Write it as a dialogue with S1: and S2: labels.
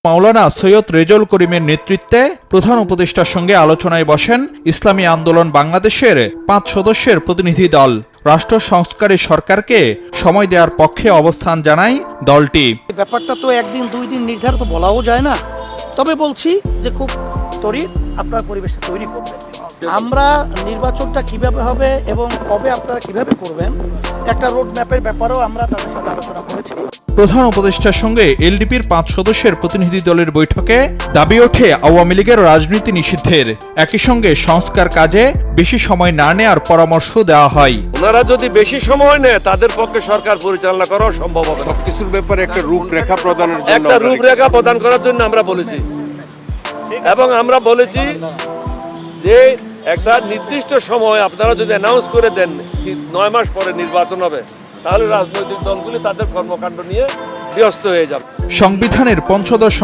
S1: মাওলানা সৈয়দ রেজাউল করিমের নেতৃত্বে প্রধান উপদেষ্টার সঙ্গে আলোচনায় বসেন ইসলামী আন্দোলন বাংলাদেশের 5 সদস্যের প্রতিনিধি দল। রাষ্ট্র সংস্কারে সরকারকে সময় দেওয়ার পক্ষে অবস্থান জানায় দলটি।
S2: ব্যাপারটা তো একদিন দুই দিন নির্ধারিত বলাও যায় না, তবে বলছি যে খুব ত্বরিত আপনার পরিবেশটা তৈরি করবেন। আমরা নির্বাচনটা কিভাবে হবে এবং কবে আপনারা কিভাবে করবেন একটা রোড ম্যাপের ব্যাপারেও আমরা তাদের সাথে আলোচনা করেছি।
S1: প্রধান উপদেষ্টার সঙ্গে এলডিপির 5 সদস্যের প্রতিনিধি দলের বৈঠকে দাবি ওঠে আওয়ামী লীগের রাজনীতি নিষিদ্ধের। একই সঙ্গে সংস্কার কাজে বেশি সময় না নেওয়ার পরামর্শ দেওয়া হয়।
S3: ওনারা যদি বেশি সময় নেয় তাদের পক্ষে সরকার পরিচালনা করা সম্ভব হবে।
S4: সবকিছুর ব্যাপারে একটা রূপরেখা প্রদানের জন্য
S3: একটা রূপরেখা প্রদান করার জন্য আমরা বলেছি, এবং আমরা বলেছি যে একটা নির্দিষ্ট সময় আপনারা যদি অ্যানাউন্স করে দেন 9 মাস পরে নির্বাচন হবে, তাহলে রাজনৈতিক দলগুলি তাদের কর্মকাণ্ড নিয়ে ব্যস্ত হয়ে যাবে।
S1: সংবিধানের পঞ্চদশ